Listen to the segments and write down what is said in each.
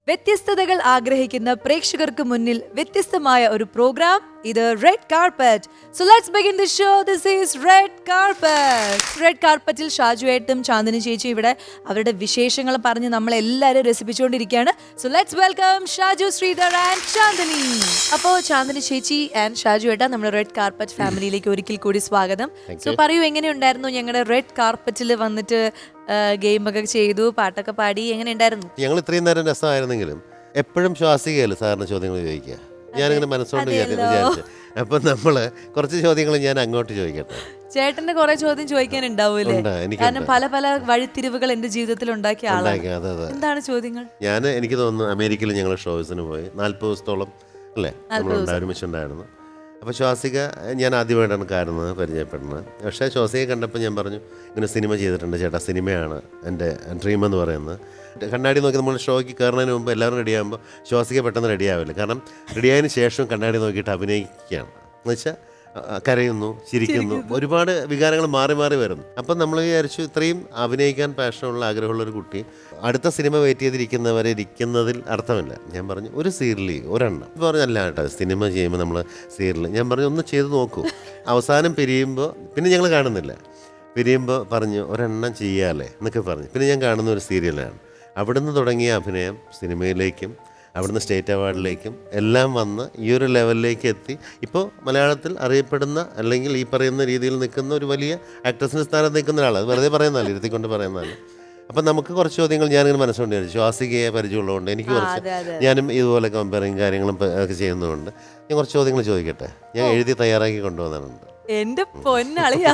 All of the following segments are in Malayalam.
വ്യത്യസ്തതകൾ ആഗ്രഹിക്കുന്ന പ്രേക്ഷകർക്ക് മുന്നിൽ വ്യത്യസ്തമായ ഒരു പ്രോഗ്രാം ഇത് red carpet. So let's begin the show. This is red carpet. Red കാർപ്പറ്റിൽ ഷാജു ഏട്ടും ചാന്ദിനി ചേച്ചി ഇവിടെ അവരുടെ വിശേഷങ്ങൾ പറഞ്ഞ് നമ്മളെല്ലാവരും രസിപ്പിച്ചുകൊണ്ടിരിക്കുകയാണ്. So let's welcome Shaju, Sreedhar and Chandini. അപ്പോൾ ചാന്ദിനി ചേച്ചി ആൻഡ് ഷാജു ഏട്ടാ, നമ്മുടെ റെഡ് കാർപ്പറ്റ് ഫാമിലിയിലേക്ക് ഒരിക്കൽ കൂടി സ്വാഗതം. സോ പറയൂ, എങ്ങനെയുണ്ടായിരുന്നു ഞങ്ങളുടെ റെഡ് കാർപ്പറ്റിൽ വന്നിട്ട് ഗെയിമൊക്കെ ചെയ്തു, പാട്ടൊക്കെ പാടി, എങ്ങനെ ഉണ്ടായിരുന്നു? ഞങ്ങൾ ഇത്രയും നേരം രസമായിരുന്നെങ്കിലും എപ്പോഴും ശ്വാസികയല്ല സാറിന് ചോദ്യങ്ങൾ ചോദിക്കുക. ഞാനിങ്ങനെ മനസ്സുകൊണ്ട് വിചാരിച്ചു. അപ്പം നമ്മള് കുറച്ച് ചോദ്യങ്ങൾ ഞാൻ അങ്ങോട്ട് ചോദിക്കട്ടെ. ചേട്ടന്റെ കുറെ ചോദ്യം ചോദിക്കാനുണ്ടാവൂലേ? കാരണം പല പല വഴിത്തിരിവുകൾ എന്റെ ജീവിതത്തിൽ ഉണ്ടാക്കിയ ആളാണ്. എന്താണ് ചോദ്യങ്ങൾ? എനിക്ക് തോന്നുന്നു അമേരിക്കയിൽ ഞങ്ങൾ ഷോസിന് പോയി 40 ദിവസത്തോളം അല്ലേ നമ്മൾ ഒരുമിച്ചുണ്ടായിരുന്നു. അപ്പോൾ ശ്വാസിക ഞാൻ ആദ്യമായിട്ടാണ് കാണുന്നത്, പരിചയപ്പെടുന്നത്. പക്ഷേ ശ്വാസികയെ കണ്ടപ്പോൾ ഞാൻ പറഞ്ഞു, ഇങ്ങനെ സിനിമ ചെയ്തിട്ടുണ്ട് ചേട്ടാ, സിനിമയാണ് എൻ്റെ ഡ്രീം എന്ന് പറയുന്നത്. കണ്ണാടി നോക്കി നമ്മൾ ഷോയ്ക്ക് കയറുന്നതിന് മുമ്പ് എല്ലാവരും റെഡിയാകുമ്പോൾ ശ്വാസിക പെട്ടെന്ന് റെഡിയാവില്ല. കാരണം റെഡിയായതിന് ശേഷം കണ്ണാടി നോക്കിയിട്ട് അഭിനയിക്കുകയാണ് എന്ന് വെച്ചാൽ കരയുന്നു, ചിരിക്കുന്നു, ഒരുപാട് വികാരങ്ങൾ മാറി മാറി വരുന്നു. അപ്പം നമ്മൾ വിചാരിച്ചു, ഇത്രയും അഭിനയിക്കാൻ പാഷനുള്ള ആഗ്രഹമുള്ളൊരു കുട്ടി അടുത്ത സിനിമ വെയിറ്റ് ചെയ്തിരിക്കുന്നവരെ ഇരിക്കുന്നതിൽ അർത്ഥമില്ല. ഞാൻ പറഞ്ഞു ഒരു സീരിയൽ ഒരെണ്ണം പറഞ്ഞല്ല കേട്ടോ, സിനിമ ചെയ്യുമ്പോൾ നമ്മൾ സീരിയൽ ഞാൻ പറഞ്ഞു ഒന്ന് ചെയ്ത് നോക്കൂ. അവസാനം പിരിയുമ്പോൾ പിന്നെ ഞങ്ങൾ കാണുന്നില്ല, പിരിയുമ്പോൾ പറഞ്ഞു ഒരെണ്ണം ചെയ്യാല്ലേ എന്നൊക്കെ പറഞ്ഞു. പിന്നെ ഞാൻ കാണുന്ന ഒരു സീരിയലാണ്. അവിടുന്ന് തുടങ്ങിയ അഭിനയം സിനിമയിലേക്കും അവിടുന്ന് സ്റ്റേറ്റ് അവാർഡിലേക്കും എല്ലാം വന്ന് ഈ ഒരു ലെവലിലേക്ക് എത്തി. ഇപ്പോൾ മലയാളത്തിൽ അറിയപ്പെടുന്ന അല്ലെങ്കിൽ ഈ പറയുന്ന രീതിയിൽ നിൽക്കുന്ന ഒരു വലിയ ആക്ട്രസിൻ്റെ സ്ഥാനത്ത് നിൽക്കുന്ന ഒരാൾ. അത് വെറുതെ പറയുന്നതല്ല, ഇരുത്തിക്കൊണ്ട് പറയുന്നതല്ല. അപ്പം നമുക്ക് കുറച്ച് ചോദ്യങ്ങൾ ഞാനിങ്ങനെ മനസ്സുകൊണ്ട് വിചാരിച്ചു. ശ്വാസികയെ പരിചയമുള്ളതുകൊണ്ട് എനിക്ക് കുറച്ച്, ഞാനും ഇതുപോലെ കമ്പയറിങ് കാര്യങ്ങളും ഒക്കെ ചെയ്യുന്നതുകൊണ്ട് ഞാൻ കുറച്ച് ചോദ്യങ്ങൾ ചോദിക്കട്ടെ. ഞാൻ എഴുതി തയ്യാറാക്കി കൊണ്ടുവന്നിട്ടുണ്ട്. എന്റെ പൊന്നളിയാ,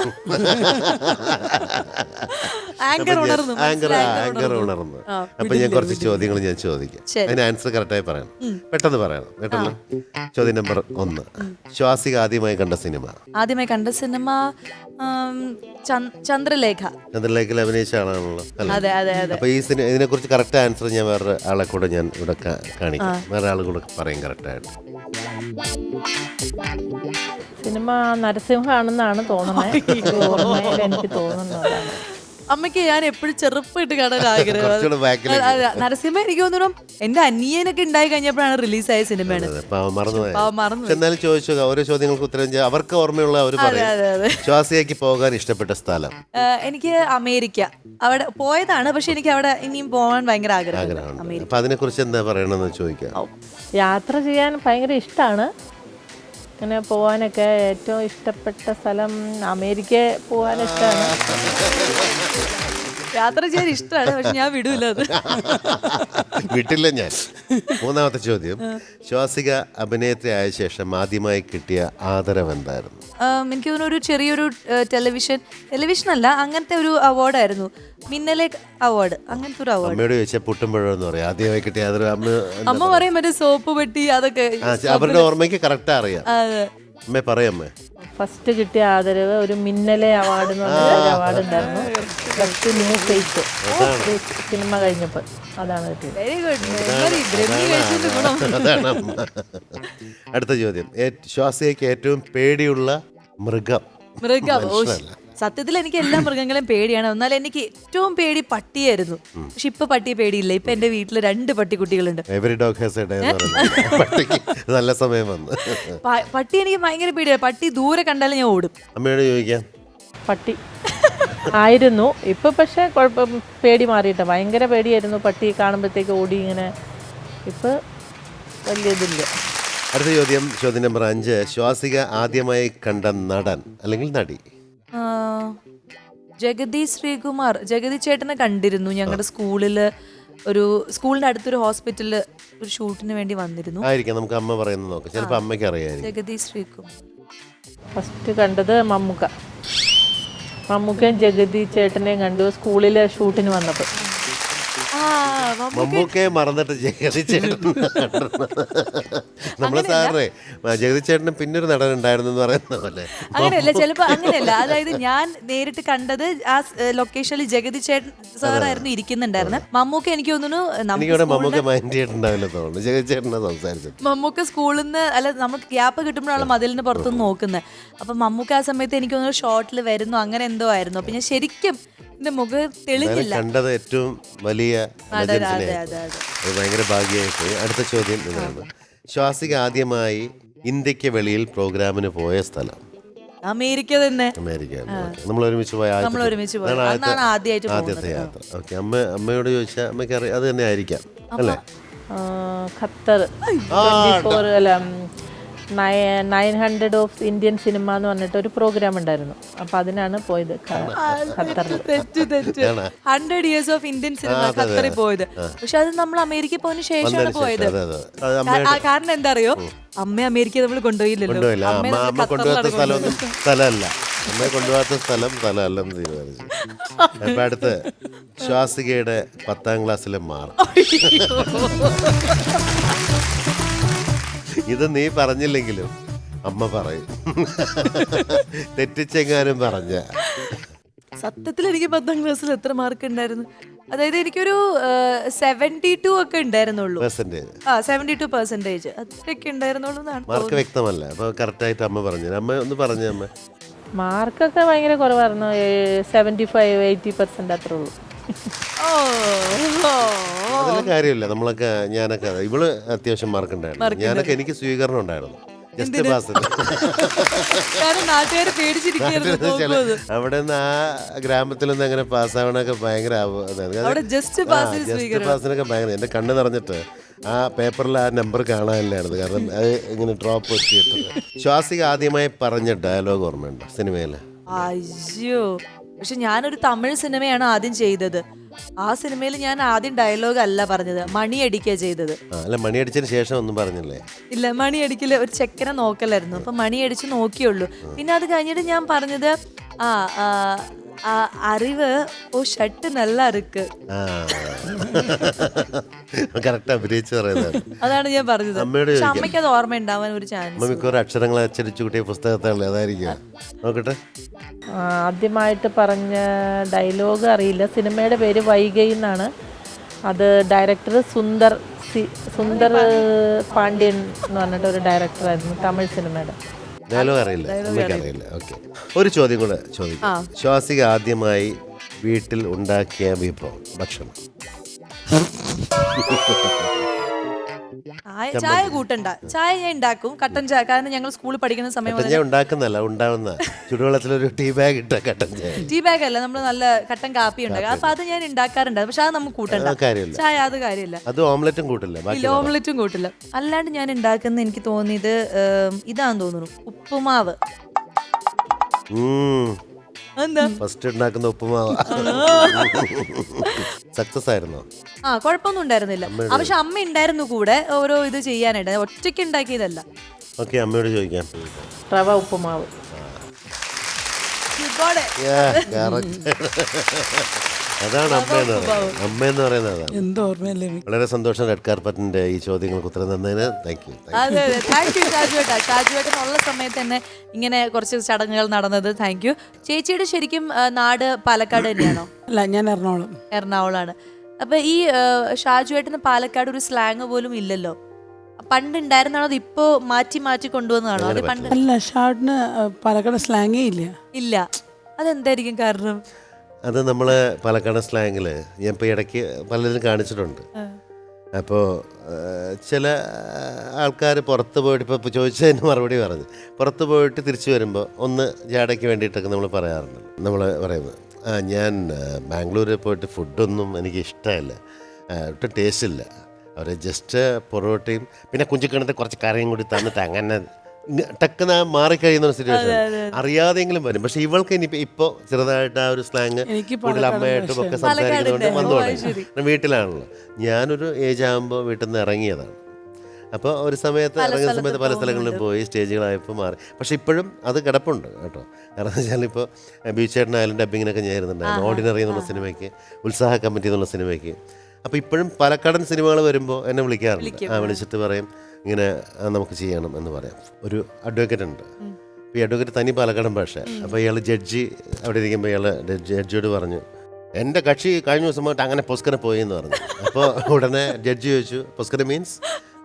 ആങ്കർ ഉണർന്നു. അപ്പൊ ഞാൻ കുറച്ച് ചോദ്യങ്ങൾ ഞാൻ ചോദിക്കാം, അതിന് ആൻസർ കറക്റ്റായി പറയണം, പെട്ടെന്ന് പറയണം. പെട്ടെന്ന്. ചോദ്യം നമ്പർ 1, ശ്വാസിക ആദ്യമായി കണ്ട സിനിമ? ആദ്യമായി കണ്ട സിനിമ ചന്ദ്രലേഖ. ചന്ദ്രലേഖയിൽ അഭിനയിച്ച ആളാണല്ലോ. അതെ അതെ അതെ. അപ്പൊ ഈ ഇതിനെ കുറിച്ച് കറക്റ്റ് ആൻസർ ഞാൻ വേറെ ആളെ കൂടെ ഞാൻ ഇവിടെ കാണിക്കാം, വേറെ ആൾ കൂടെ പറയും കറക്റ്റായിട്ട്. സിനിമ നരസിംഹമാണെന്നാണ് തോന്നുന്നത്, എനിക്ക് തോന്നുന്നത്. അമ്മയ്ക്ക് ഞാൻ എപ്പോഴും ചെറുപ്പമായിട്ട് കാണാൻ ആഗ്രഹം. നരസിംഹ എനിക്ക് തോന്നുന്നു എന്റെ അനിയനൊക്കെ ഉണ്ടായി കഴിഞ്ഞപ്പോഴാണ് റിലീസായ സിനിമയാണ്. എന്നാലും ചോദിച്ചു, ഓരോ ചോദ്യങ്ങൾക്ക് ഉത്തരം അവർക്ക് ഓർമ്മയുള്ള അവർ പറയും. ശ്വാസികയ്ക്ക് പോകാൻ ഇഷ്ടപ്പെട്ട സ്ഥലം? എനിക്ക് അമേരിക്ക. അവിടെ പോയതാണ്, പക്ഷെ എനിക്ക് അവിടെ ഇനിയും പോകാൻ ഭയങ്കര ആഗ്രഹമാണ്. അപ്പൊ അതിനെ കുറിച്ച് എന്താ പറയണമെന്ന് ചോദിക്കാം. യാത്ര ചെയ്യാൻ ഭയങ്കര ഇഷ്ടമാണ്. അങ്ങനെ പോകാനൊക്കെ ഏറ്റവും ഇഷ്ടപ്പെട്ട സ്ഥലം അമേരിക്ക പോകാൻ ഇഷ്ടമാണ്. യാത്ര ചെയ്യാൻ ഇഷ്ടമാണ്, പക്ഷെ ഞാൻ വിടൂല, അത് വിട്ടില്ല ഞാൻ. 3ാമത്തെ ചോദ്യം, ശ്വാസിക അഭിനേത്രി ആയ ശേഷം ആദ്യമായി കിട്ടിയ ആദരവ് എന്തായിരുന്നു? എനിക്ക് തോന്നുന്നു ഒരു ചെറിയൊരു ടെലിവിഷൻ അല്ല, അങ്ങനത്തെ ഒരു അവാർഡായിരുന്നു, മിന്നലെ അവാർഡ്, അങ്ങനത്തെ ഒരു അവാർഡ്. അമ്മയോട് ചോദിച്ചാൽ പുട്ടുമ്പോഴെന്ന് പറയും ആദ്യമായി കിട്ടിയ ആദരവ്. അമ്മ പറയും മറ്റേ സോപ്പ് പെട്ടി, അതൊക്കെ അവരുടെ ഓർമ്മയ്ക്ക് കറക്റ്റ് അറിയാം. അമ്മേ പറയമ്മേ. ഫസ്റ്റ് കിട്ടിയ ആദരവ് ഒരു മിന്നലെ അവാർഡ് എന്ന് പറഞ്ഞ അവാർഡ് ഉണ്ടായിരുന്നു, ബെസ്റ്റ് ന്യൂ ഫേസ് സിനിമ കഴിഞ്ഞപ്പോൾ. അതാണ് കിട്ടിയത്. Very good. അതാണ്. അടുത്ത ചോദ്യം, ശ്വാസികയ്ക്ക് ഏറ്റവും പേടിയുള്ള മൃഗം? സത്യത്തിൽ എനിക്ക് എല്ലാ മൃഗങ്ങളെയും പേടിയാണ്. എന്നാൽ എനിക്ക് ഏറ്റവും പേടി പട്ടിയായിരുന്നു. പക്ഷെ ഇപ്പൊ പട്ടിയെ പേടിയില്ല. ഇപ്പൊ എന്റെ വീട്ടില് 2 പട്ടിക്കുട്ടികളുണ്ട്. നല്ല സമയം വന്നു. പട്ടി എനിക്ക് ഭയങ്കര പേടിയാണ്. പട്ടി ദൂരെ കണ്ടാലും ഞാൻ ഓടും. അമ്മയോട് ചോദിക്കാം. പട്ടി ആയിരുന്നു, ഇപ്പൊ പക്ഷെ പേടി മാറിയിട്ട്. ഭയങ്കര പേടിയായിരുന്നു, പട്ടി കാണുമ്പോഴത്തേക്ക് ഓടി ഇങ്ങനെ. ഇപ്പൊ വലിയ ഇതില്ല. അടുത്ത ചോദ്യം, ചോദ്യം നമ്പർ 5, ശ്വാസിക ആദ്യമായി കണ്ട നടൻ അല്ലെങ്കിൽ നടി? ജഗതി ശ്രീകുമാർ. ജഗതി ചേട്ടനെ കണ്ടിരുന്നു. ഞങ്ങളുടെ സ്കൂളിന്റെ അടുത്തൊരു ഹോസ്പിറ്റലില് ഒരു ഷൂട്ടിന് വേണ്ടി വന്നിരുന്നു. ആയിരിക്കാം, നമുക്ക് അമ്മ പറയുന്നത് നോക്കാം, ചിലപ്പോൾ അമ്മയ്ക്ക് അറിയാം. ജഗതി ശ്രീകുമാർ. ഫസ്റ്റ് കണ്ടത് മമ്മൂക്കയും ജഗതി ചേട്ടനെയും കണ്ടു സ്കൂളിലെ ഷൂട്ടിന് വന്നപ്പോൾ. മമ്മൂക്കയെ മറന്നിട്ട് ജഗതി ചേട്ടൻ. നമ്മളെ സാറേ ജഗതി ചേട്ടന് പിന്നൊരു നടൻ ഉണ്ടായിരുന്നു എന്ന് പറയുന്ന പോലെ. അങ്ങനെയല്ല, ചിലപ്പോ അങ്ങനെയല്ല. അതായത് ഞാൻ നേരിട്ട് കണ്ടത് ആ ലൊക്കേഷനിൽ ജഗതി ചേട്ടൻ സാറായിരുന്നു ഇരിക്കുന്നുണ്ടായിരുന്നു. മമ്മൂക്ക എനിക്ക് തോന്നുന്നു മമ്മൂക്ക മൈൻഡ് ചെയ്തിട്ടുണ്ടാവില്ല തോന്നുന്നു, ജഗതി ചേട്ടനെ സംസാരിച്ചു. മമ്മൂക്ക സ്കൂളിൽ നിന്ന് അല്ല, നമുക്ക് ഗ്യാപ്പ് കിട്ടുമ്പോഴാണ് മതിലിന് പുറത്തുനിന്ന് നോക്കുന്നത്. അപ്പൊ മമ്മൂക്ക ആ സമയത്ത് എനിക്ക് തോന്നുന്നു ഷോട്ടിൽ വരുന്നു, അങ്ങനെ എന്തോ ആയിരുന്നു. അപ്പൊ ഞാൻ ശരിക്കും എന്റെ മുഖം തെളിഞ്ഞില്ല. കണ്ടത് ഏറ്റവും വലിയ അതെ legends നെ. അതെ അതെ. അത് ഭയങ്കര ഭാഗ്യമായി പോയി. അടുത്ത ചോദ്യം ഇതാണ്. ശ്വാസിക ആദ്യമായി ഇന്ത്യക്ക് വെളിയിൽ പ്രോഗ്രാമിന് പോയ സ്ഥലം? അമേരിക്ക തന്നെ. അമേരിക്ക. നമ്മൾ ഒരുമിച്ച് പോയ നമ്മൾ ഒരുമിച്ച് പോയത്. അന്നാണ് ആദ്യമായിട്ട് ആദ്യത്തെ യാത്ര. ഓക്കെ. അമ്മയോട് ചോദിച്ചാൽ അമ്മയ്ക്ക് അറിയാം, അത് തന്നെ ആയിരിക്കാം അല്ലേ? ഖത്തർ 24 അല്ല 900 ഓഫ് ഇന്ത്യൻ സിനിമ എന്ന് പറഞ്ഞിട്ട് ഒരു പ്രോഗ്രാം ഉണ്ടായിരുന്നു. അപ്പൊ അതിനാണ് പോയത് ഖത്തറിൽ. തെറ്റ് 100 years ഓഫ് ഇന്ത്യൻ സിനിമ ഖത്തറിൽ പോയത്. പക്ഷെ അത് നമ്മൾ അമേരിക്ക പോയതിനു ശേഷമാണ് പോയത്. കാരണം എന്താ അറിയോ, അമ്മ അമേരിക്ക നമ്മൾ കൊണ്ടുപോയില്ലല്ലോ. കൊണ്ടുപോയില്ല. അമ്മ കൊണ്ടുപോകാത്ത സ്ഥലമൊന്നും സ്ഥലമല്ല. അമ്മയെ കൊണ്ടുപോകാത്ത സ്ഥലമല്ലെന്ന് തീരുമാനിച്ചു. അപ്പൊ അടുത്ത് ശ്വാസികയുടെ 10ാം ക്ലാസ്സിലെ മാർക്ക്. ഇത് നീ പറഞ്ഞില്ലെങ്കിലും അമ്മ പറയും. തെറ്റിച്ചെങ്ങാനും പറഞ്ഞ. സത്യത്തിൽ എനിക്ക് 10ാം ക്ലാസ്സിൽ എത്ര മാർക്ക് ഉണ്ടായിരുന്നു? അതായത് എനിക്കൊരു 72 ഒക്കെ ഉണ്ടായിരുന്നുള്ളൂ. 72% അത്രയൊക്കെ ഉണ്ടായിരുന്നുള്ളൂ എന്നാണ്. മാർക്ക് വ്യക്തമല്ല. അപ്പൊ കറക്റ്റായിട്ട് അമ്മ പറഞ്ഞു. അമ്മ ഒന്ന് പറഞ്ഞു. അമ്മ മാർക്കൊക്കെ ഭയങ്കര കുറവായിരുന്നു. 75-80% അത്രേ ഉള്ളൂ. അതിൽ കാര്യമില്ല. നമ്മളൊക്കെ ഞാനൊക്കെ ഇവള് അത്യാവശ്യം മാർക്ക് ഉണ്ടായിരുന്നു. ഞാനൊക്കെ എനിക്ക് സ്വീകരണം ഉണ്ടായിരുന്നു. Just pass. അവിടെ നിന്ന് ആ ഗ്രാമത്തിൽ നിന്ന് അങ്ങനെ പാസ്സാവണൊക്കെ ഭയങ്കര ജസ്റ്റ് പാസിനൊക്കെ ഭയങ്കര. എന്റെ കണ്ണ് നിറഞ്ഞിട്ട് ആ പേപ്പറിൽ ആ നമ്പർ കാണാനില്ലായിരുന്നു. കാരണം അത് ഇങ്ങനെ ഡ്രോപ്പ് വെച്ചിട്ട്. ശ്വാസിക ആദ്യമായി പറഞ്ഞ ഡയലോഗ് ഓർമ്മയുണ്ടോ സിനിമയില്? അയ്യോ, പക്ഷെ ഞാനൊരു തമിഴ് സിനിമയാണ് ആദ്യം ചെയ്തത്. ആ സിനിമയിൽ ഞാൻ ആദ്യം ഡയലോഗ് അല്ല പറഞ്ഞത്, മണിയടിക്കുക ചെയ്തത്. അല്ല, മണിയടിച്ചതിന് ശേഷം ഒന്നും പറഞ്ഞില്ലേ? ഇല്ല, മണിയടിക്കല് ഒരു ചെക്കനെ നോക്കലായിരുന്നു. അപ്പൊ മണിയടിച്ച് നോക്കിയുള്ളൂ. പിന്നെ അത് കഴിഞ്ഞിട്ട് ഞാൻ പറഞ്ഞത് അറിവ് ഓ ഷർട്ട് നല്ല അറുക്ക്. കറക്റ്റ് അഭിനയിച്ച് പറയുന്നത്. അതാണ് ഞാൻ പറഞ്ഞത്. പക്ഷെ അമ്മയ്ക്ക് അത് ഓർമ്മ ഉണ്ടാവാൻ ഒരു ചാൻസ്. മിക്കവാറും അക്ഷരങ്ങൾ അച്ചടിച്ചു കൂട്ടിയ പുസ്തകത്താണല്ലേ, അതായിരിക്കും. നോക്കട്ടെ. ആദ്യമായിട്ട് പറഞ്ഞ ഡയലോഗ് അറിയില്ല. സിനിമയുടെ പേര് വൈഗൈ എന്നാണ്. അത് ഡയറക്ടർ സുന്ദർ പാണ്ഡ്യൻ എന്ന് പറഞ്ഞിട്ട് ഒരു ഡയറക്ടറായിരുന്നു തമിഴ് സിനിമയുടെ. ഡയലോഗ് അറിയില്ല, അറിയില്ല. ഓക്കെ, ഒരു ചോദ്യം കൂടെ ചോദിക്കാം. ശ്വാസിക ആദ്യമായി വീട്ടിൽ ഉണ്ടാക്കിയ വിഭവം ഭക്ഷണം? ചായ കൂട്ടണ്ട. ചായ ഞാൻ ഉണ്ടാക്കും, കട്ടൻ ചായ. കാരണം ഞങ്ങൾ സ്കൂളിൽ പഠിക്കുന്ന സമയം ഉണ്ടാക്കുന്നല്ല, ഉണ്ടാവുന്ന ചുടുവെള്ളത്തിലൊരു ടീ ബാഗ് ഇട്ട കട്ടൻ ചായ. ടീ ബാഗ് അല്ല, നമ്മൾ നല്ല കട്ടൻ കാപ്പി ഉണ്ടാക്കും. അപ്പൊ അത് ഞാൻ ഉണ്ടാക്കാറുണ്ട്. പക്ഷെ അത് നമുക്ക് കൂട്ടണ്ട ചായ, അത് കാര്യമില്ല. അത് ഓംലെറ്റും കൂട്ടില്ല. ഓംലെറ്റും കൂട്ടില്ല. അല്ലാണ്ട് ഞാൻ ഉണ്ടാക്കുന്ന എനിക്ക് തോന്നിയത് ഇതാന്ന് തോന്നുന്നു, ഉപ്പുമാവ്. ഫസ്റ്റ് ഉണ്ടാക്കുന്ന ഉപ്പുമാവ് സക്സസ് ആയിരുന്നോ? കുഴപ്പമൊന്നും ഉണ്ടായിരുന്നില്ല. പക്ഷെ അമ്മ ഉണ്ടായിരുന്നു കൂടെ ഓരോ ഇത് ചെയ്യാനായിട്ട്, ഒറ്റയ്ക്ക് ഉണ്ടാക്കിയതല്ല. ഓക്കെ, അമ്മയോട് ചോദിക്കാം. റവ ഉപ്പുമാവ്. അതാണ് അമ്മയെന്ന് പറയുന്നത്. അതാണ്. വളരെ സന്തോഷം റെഡ് കാർപ്പറ്റിന്റെ ഈ ചോദ്യങ്ങൾക്ക് ഉത്തരം തന്നതിന്. Thank you. ഷാജുവേട്ടനുള്ള സമയത്ത് തന്നെ ഇങ്ങനെ കുറച്ച് ചടങ്ങുകൾ നടന്നത്. Thank you. ചേച്ചിയുടെ ശരിക്കും നാട് പാലക്കാട് തന്നെയാണോ? അല്ല, ഞാൻ എറണാകുളമാണ്. അപ്പൊ ഈ ഷാജുവേട്ടന് പാലക്കാട് ഒരു സ്ലാങ് പോലും ഇല്ലല്ലോ. പണ്ട് ഉണ്ടായിരുന്നാണോ, അത് ഇപ്പോ മാറ്റി മാറ്റി കൊണ്ടുവന്നതാണോ? അത് പണ്ട് അല്ല, ഷാർട്ടിന് പാലക്കാട് സ്ലാങ്ങേ ഇല്ല. അതെന്തായിരിക്കും കാരണം? അത് നമ്മൾ പാലക്കാട് സ്ലാങ്ങിൽ ഞാൻ ഇപ്പോൾ ഇടയ്ക്ക് പലരും കാണിച്ചിട്ടുണ്ട്. അപ്പോൾ ചില ആൾക്കാർ പുറത്ത് പോയിട്ട് ഇപ്പോൾ ചോദിച്ചതിന് മറുപടി പറഞ്ഞു. പുറത്ത് പോയിട്ട് തിരിച്ചു വരുമ്പോൾ ഒന്ന് ജാടയ്ക്ക് വേണ്ടിയിട്ടൊക്കെ നമ്മൾ പറയാറുണ്ട്. നമ്മൾ പറയുന്നത് ഞാൻ ബാംഗ്ലൂരിൽ പോയിട്ട് ഫുഡൊന്നും എനിക്ക് ഇഷ്ടമല്ല, ഒട്ടും ടേസ്റ്റ് ഇല്ല. അവർ ജസ്റ്റ് പൊറോട്ടയും പിന്നെ കുഞ്ചിക്കണത്തെ കുറച്ച് കറിയും കൂടി തന്നിട്ട് അങ്ങനെ ടക്കുന്ന മാറിക്കഴിയുന്ന ഒരു സിറ്റുവേഷൻ അറിയാതെങ്കിലും വരും. പക്ഷെ ഇവൾക്ക് ഇനി ഇപ്പോൾ ചെറുതായിട്ട് ആ ഒരു സ്ലാങ് കൂടുതൽ അമ്മയായിട്ടും ഒക്കെ സംസാരിക്കുന്നതുകൊണ്ട് വന്നു തുടങ്ങി. വീട്ടിലാണല്ലോ. ഞാനൊരു ഏജ് ആകുമ്പോൾ വീട്ടിൽ നിന്ന് ഇറങ്ങിയതാണ്. അപ്പോൾ ഒരു സമയത്ത് ഇറങ്ങുന്ന സമയത്ത് പല സ്ഥലങ്ങളിലും പോയി സ്റ്റേജുകളായപ്പോൾ മാറി. പക്ഷെ ഇപ്പോഴും അത് കിടപ്പുണ്ട് കേട്ടോ. കാരണം എന്ന് വെച്ചാൽ ഇപ്പോൾ ബീച്ചേട്ടനായാലും ഡബ്ബിങ്ങിനൊക്കെ ഞാൻ ഇരുന്നുണ്ടായിരുന്നു. ഓർഡിനറി എന്നുള്ള സിനിമയ്ക്ക്, ഉത്സാഹ കമ്മിറ്റി എന്നുള്ള സിനിമയ്ക്ക്. അപ്പോൾ ഇപ്പോഴും പാലക്കാടൻ സിനിമകൾ വരുമ്പോൾ എന്നെ വിളിക്കാറുണ്ട്. വിളിച്ചിട്ട് പറയും ഇങ്ങനെ നമുക്ക് ചെയ്യണം എന്ന് പറയാം. ഒരു അഡ്വക്കേറ്റ് ഉണ്ട്. അപ്പോൾ ഈ അഡ്വക്കേറ്റ് തനി പാലക്കാടൻ ഭാഷ. അപ്പോൾ ഇയാൾ ജഡ്ജി അവിടെ ഇരിക്കുമ്പോൾ ഇയാൾ ജഡ്ജിയോട് പറഞ്ഞു, എൻ്റെ കക്ഷി കഴിഞ്ഞ ദിവസം പോയിട്ട് അങ്ങനെ പൊസ്കര പോയി എന്ന് പറഞ്ഞു. അപ്പോൾ ഉടനെ ജഡ്ജി ചോദിച്ചു, പൊസ്കര മീൻസ്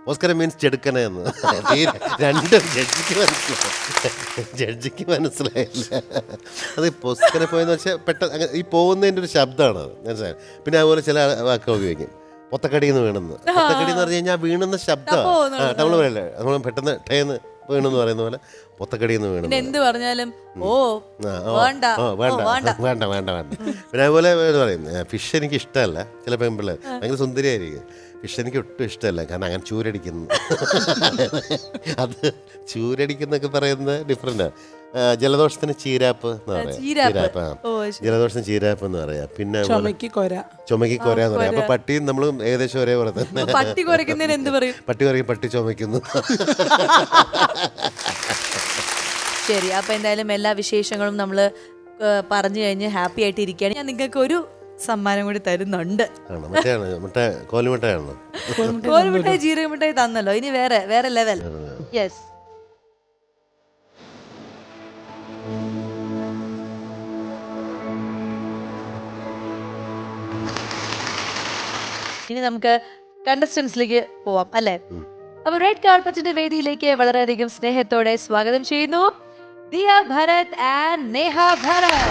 ഓസ്കർ മീൻസ് ചെടുക്കനെ എന്ന്. ഈ രണ്ടും ജഡ്ജിക്ക് മനസ്സിലായില്ല. അത് പൊസ്കനെ പോയെന്ന് വെച്ചാൽ പെട്ടെന്ന് ഈ പോകുന്നതിൻ്റെ ഒരു ശബ്ദമാണ് അത്, മനസ്സിലായി. പിന്നെ അതുപോലെ ചില വാക്കുകൾ ഉപയോഗിക്കും, പൊത്തക്കടിന്ന് വീണെന്ന്. പൊത്തക്കടി എന്ന് പറഞ്ഞു കഴിഞ്ഞാൽ വീണെന്ന ശബ്ദമാണ്. നമ്മൾ പറയല്ലേ, നമ്മൾ പെട്ടെന്ന് ടേന്ന് വീണെന്ന് പറയുന്ന പോലെ പൊത്തക്കടിന്ന് വീണെന്ന്. എന്ത് പറഞ്ഞാലും വേണ്ട. വേണ്ട വേണ്ട വേണ്ട. പിന്നെ അതുപോലെ പറയും, ഫിഷ് എനിക്ക് ഇഷ്ടമല്ല. ചില പെൺപിള്ളേർ ഭയങ്കര സുന്ദരിയായിരിക്കും, ഫിഷ് എനിക്ക് ഒട്ടും ഇഷ്ടമല്ല, കാരണം അങ്ങനെ ചൂരടിക്കുന്നു. അത് ചൂരടിക്കുന്നൊക്കെ പറയുന്നത് ഡിഫറെൻ്റാണ്. ജലദോഷത്തിന് ചീരാപ്പ് എന്ന് പറയാം. ചീരാപ്പ്, ജലദോഷത്തിന് ചീരാപ്പ് എന്ന് പറയാം. പിന്നെ ചുമക്ക് കൊര എന്ന് പറയാം. അപ്പൊ പട്ടിയും നമ്മളും ഏകദേശം ഒരേപോലെ തന്നെ. പട്ടി കുറയ്ക്കുന്നതിന് എന്ത് പറയും? പട്ടി പറയും പട്ടി ചുമക്കുന്നു. ശരി, അപ്പൊ എന്തായാലും എല്ലാ വിശേഷങ്ങളും നമ്മൾ പറഞ്ഞു കഴിഞ്ഞ് ഹാപ്പി ആയിട്ട് ഇരിക്കുകയാണ്. ഞാൻ നിങ്ങൾക്ക് ഒരു സമ്മാനം കൂടി തരുന്നുണ്ട്. മറ്റേ കോലുമിട്ടാണോ? കോലുമിട്ടായി ജീരകമിട്ടായി തന്നല്ലോ, ഇനി വേറെ ലെവൽ. യെസ്, ഇനി നമുക്ക് കണ്ടസ്റ്റൻസിലേക്ക് പോവാം അല്ലേ? അപ്പൊ റെഡ് കാർപ്പറ്റിന്റെ വേദിയിലേക്ക് വളരെയധികം സ്നേഹത്തോടെ സ്വാഗതം ചെയ്യുന്നു ദിയ ഭരത് ആൻഡ് നേഹ ഭരത്.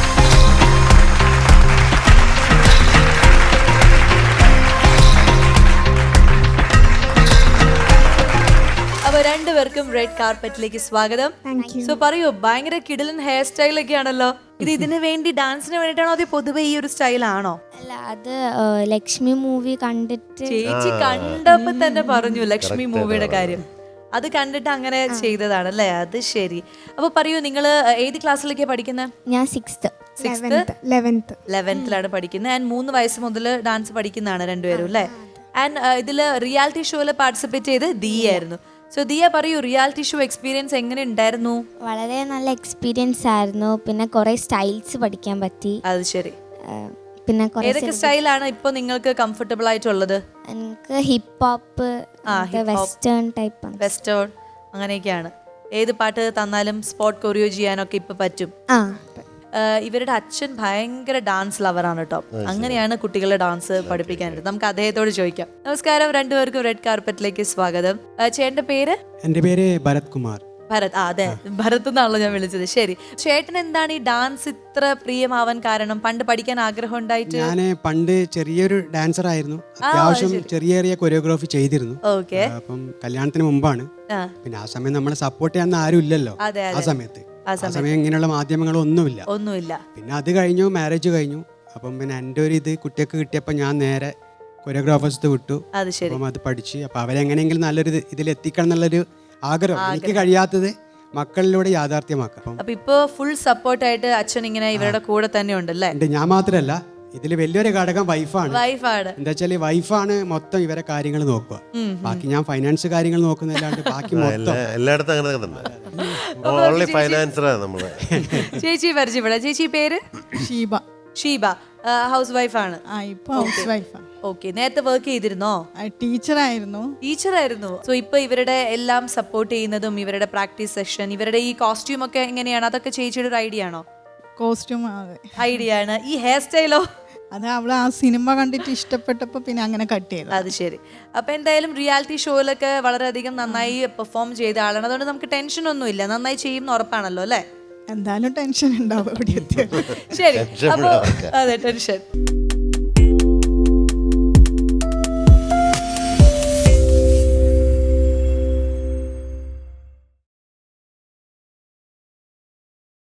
അപ്പൊ രണ്ടുപേർക്കും റെഡ് കാർപ്പറ്റിലേക്ക് സ്വാഗതം. സോ പറയൂ, ഭയങ്കര കിടിലൻ ഹെയർ സ്റ്റൈൽ ഒക്കെ ആണല്ലോ. ഇത് ഇതിന് വേണ്ടി ഡാൻസിന് വേണ്ടിയിട്ടാണോ അതോ പൊതുവെ ഈ ഒരു സ്റ്റൈലാണോ? അല്ല, അത് ലക്ഷ്മി മൂവി കണ്ടിട്ട് ചേച്ചി കണ്ടപ്പോ തന്നെ പറഞ്ഞു ലക്ഷ്മി മൂവിയുടെ കാര്യം. അത് കണ്ടിട്ട് അങ്ങനെ ചെയ്തതാണല്ലേ? അത് ശരി. അപ്പൊ പറയൂ, നിങ്ങള് ഏത് ക്ലാസ്സിലേക്കാണ് പഠിക്കുന്നത്? ഞാൻ 11th പഠിക്കുന്നത്. ആൻഡ് 3 വയസ്സ് മുതൽ ഡാൻസ് പഠിക്കുന്നതാണ് രണ്ടുപേരും അല്ലേ? ആൻഡ് ഇതില് റിയാലിറ്റി ഷോയിൽ പാർട്ടിസിപ്പേറ്റ് ചെയ്ത് ദിയ ആയിരുന്നു. സോ ദിയ പറയൂ, റിയാലിറ്റി ഷോ എക്സ്പീരിയൻസ് എങ്ങനെ ഉണ്ടായിരുന്നു? വളരെ നല്ല എക്സ്പീരിയൻസ് ആയിരുന്നു. പിന്നെ കുറെ സ്റ്റൈൽസ് പഠിക്കാൻ പറ്റി. അത് ശരി. പിന്നെ ഏതൊക്കെ സ്റ്റൈലാണ് ഇപ്പൊ നിങ്ങൾക്ക് കംഫർട്ടബിൾ ആയിട്ടുള്ളത്? എനിക്ക് hip hop, western type. Western അങ്ങനെയൊക്കെയാണ്. ഏത് പാട്ട് തന്നാലും സ്പോട്ട് കൊറിയോ ചെയ്യാനൊക്കെ ഇപ്പൊ പറ്റും. ഇവരുടെ അച്ഛൻ ഭയങ്കര ഡാൻസ് ലവറാണ് കേട്ടോ. അങ്ങനെയാണ് കുട്ടികളെ ഡാൻസ് പഠിപ്പിക്കാനായിട്ട്. നമുക്ക് അദ്ദേഹത്തോട് ചോദിക്കാം. നമസ്കാരം, രണ്ടുപേർക്കും റെഡ് കാർപ്പറ്റിലേക്ക് സ്വാഗതം. ചേട്ടന്റെ പേര്? എന്റെ പേര് ഭരത് കുമാർ. ഭരത്, അതെ, ഭരത് എന്നാണല്ലോ ഞാൻ വിളിച്ചത്. ശരി, ചേട്ടൻ എന്താണ് ഈ ഡാൻസ് ഇത്ര പ്രിയമാവാൻ കാരണം? പണ്ട് പഠിക്കാൻ ആഗ്രഹം ഉണ്ടായിട്ട്? ഞാൻ പണ്ട് ചെറിയൊരു ഡാൻസർ ആയിരുന്നു. അത്യാവശ്യം ചെറിയ കൊറിയോഗ്രാഫി ചെയ്തിരുന്നു. ഓക്കെ. അപ്പം കല്യാണത്തിന് മുമ്പാണ്. പിന്നെ ആ സമയം നമ്മളെ സപ്പോർട്ട് ചെയ്യാൻ ആരും ഇല്ലല്ലോ. ആ സമയത്ത് ഇങ്ങനെയുള്ള മാധ്യമങ്ങളൊന്നുമില്ല. പിന്നെ അത് കഴിഞ്ഞു, മാരേജ് കഴിഞ്ഞു. അപ്പം പിന്നെ എൻ്റെ ഒരു ഇത് കുട്ടിയൊക്കെ കിട്ടിയപ്പോൾ ഞാൻ നേരെ കൊറിയോഗ്രാഫേഴ്സ് വിട്ടു. അപ്പം അത് പഠിച്ച് അപ്പം അവരെങ്ങനെയെങ്കിലും നല്ലൊരു ഇതിലെത്തിക്കണം എന്നുള്ളൊരു ആഗ്രഹം. എനിക്ക് കഴിയാത്തത് മക്കളിലൂടെ യാഥാർത്ഥ്യമാക്കാം. അപ്പൊ ഇപ്പൊ ഫുൾ സപ്പോർട്ടായിട്ട് അച്ഛൻ ഇങ്ങനെ ഇവരുടെ കൂടെ തന്നെ ഉണ്ടല്ലേ? ഞാൻ മാത്രമല്ല, ഇതിൽ വലിയൊരു ഘടകം വൈഫാണ്. എന്താ വെച്ചാല് വൈഫാണ് മൊത്തം ഇവരെ കാര്യങ്ങൾ നോക്കുക. ബാക്കി ഞാൻ ഫൈനാൻസ് കാര്യങ്ങൾ നോക്കുന്നില്ലാണ്ട് ബാക്കി മൊത്തം എല്ലായിടത്തും അങ്ങനെ തന്നെ. ഓൺലി ഫൈനാൻസറാണ് നമ്മള്. ചേച്ചി പരിചയപ്പെടാം. ചേച്ചി പേര്? ഷീബ. ഹൗസ് വൈഫാണ്. ഓക്കെ. നേരത്തെ വർക്ക് ചെയ്തിരുന്നോ? ടീച്ചറായിരുന്നു. സോ ഇപ്പൊ ഇവരുടെ എല്ലാം സപ്പോർട്ട് ചെയ്യുന്നതും ഇവരുടെ പ്രാക്ടീസ് സെഷൻ, ഇവരുടെ ഈ കോസ്റ്റ്യൂം ഒക്കെ എങ്ങനെയാണ്? അതൊക്കെ ചേച്ചിയുടെ ഒരു ഐഡിയ ആണോ? കോസ്റ്റ്യൂം ഐഡിയ ആണ്. ഈ ഹെയർ സ്റ്റൈലോ? അത് അവള് ആ സിനിമ കണ്ടിട്ട് ഇഷ്ടപ്പെട്ടപ്പോ പിന്നെ അങ്ങനെ കട്ട് ചെയ്തു. അത് ശരി. അപ്പൊ എന്തായാലും റിയാലിറ്റി ഷോയിലൊക്കെ വളരെയധികം നന്നായി പെർഫോം ചെയ്ത ആളാണ്. അതുകൊണ്ട് നമുക്ക് ടെൻഷൻ ഒന്നും ഇല്ല. നന്നായി ചെയ്യുന്ന ഉറപ്പാണല്ലോ അല്ലേ? എന്തായാലും ടെൻഷൻ ഉണ്ടാവും. ശരി, അപ്പൊ അതെ, ടെൻഷൻ.